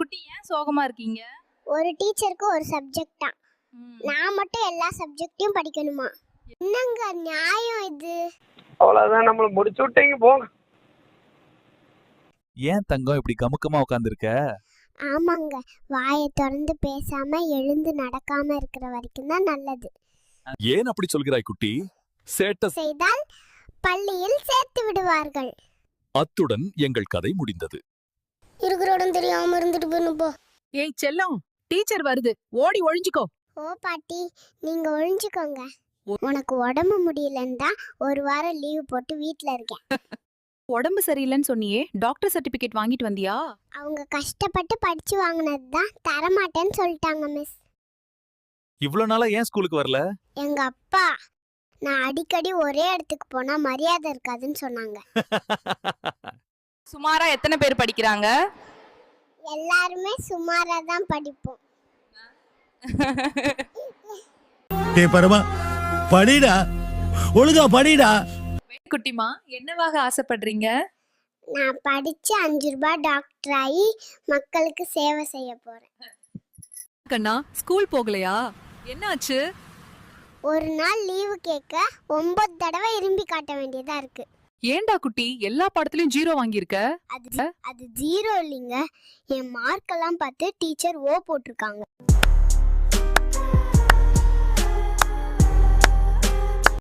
குட்டி ஏன் சோகமா இருக்கீங்க? ஒரு டீச்சருக்கு ஒரு சப்ஜெக்ட் தான். நான் மட்டும் எல்லா சப்ஜெக்ட்டையும் படிக்கணுமா? என்னங்க நியாயம் இது? அவ்வளவுதான், நம்மள முடிச்சு விட்டீங்க போங்க. ஏன் தங்கம் இப்படி கமுக்கமா உட்காந்துருக்க? ஆமாங்க, வாயை திறந்து பேசாம எழுந்து நடக்காம இருக்கிற வரைக்கும் தான் நல்லது. ஏன் அப்படி சொல்கிறாய் குட்டி? சேட்ட செய்தால் பள்ளியில் சேர்த்து விடுவார்கள். அத்துடன் எங்கள் கதை முடிந்தது. இருக்கிற இடம் தெரியாம இருந்துட்டு போயிடும் போ. ஏய் செல்லம், டீச்சர் வருது, ஓடி ஒளிஞ்சுக்கோ. ஓ பாட்டி, நீங்க ஒழிஞ்சுக்கோங்க. உனக்கு உடம்பு முடியலன்னு தான் ஒரு வாரம் லீவு போட்டு வீட்ல இருக்கேன். உடம்பு சரியில்லைன்னு சொன்னியே, டாக்டர் சர்டிபிகேட் வாங்கிட்டு வந்தியா? அவங்க கஷ்டப்பட்டு படிச்சு வாங்கினது தான் தரமாட்டேன்னு சொல்லிட்டாங்க மிஸ். இவ்வளவு நாளா ஏன் ஸ்கூலுக்கு வரல? எங்க அப்பா நான் அடிக்கடி ஒரே இடத்துக்கு போனா மரியாதை இருக்காதுன்னு சொன்னாங்க. சுமாரா எத்தனை பேர் படிக்கிறாங்க? எல்லாருமே சுமாரா தான் படிப்போம். டேய் பரமா, படிடா, ஒழுங்கா படிடா. குட்டிமா, என்னவாக ஆசைப்படுறீங்க? நான் படிச்சு 5 ரூபாய் டாக்டர் ஆகி மக்களுக்கு சேவை செய்ய போறேன். கண்ணா, ஸ்கூல் போகலையா? என்னாச்சு? ஒரு நாள் லீவு கேட்க 9 தடவை இரும்பி காட்ட வேண்டியதா இருக்கு. ஏண்டா குட்டி, எல்லா பாடத்திலயும் 0 வாங்கியிருக்க? அது 0 இல்லைங்க, என் மார்க்கெல்லாம் பார்த்து டீச்சர் ஓ போட்டிருக்காங்க.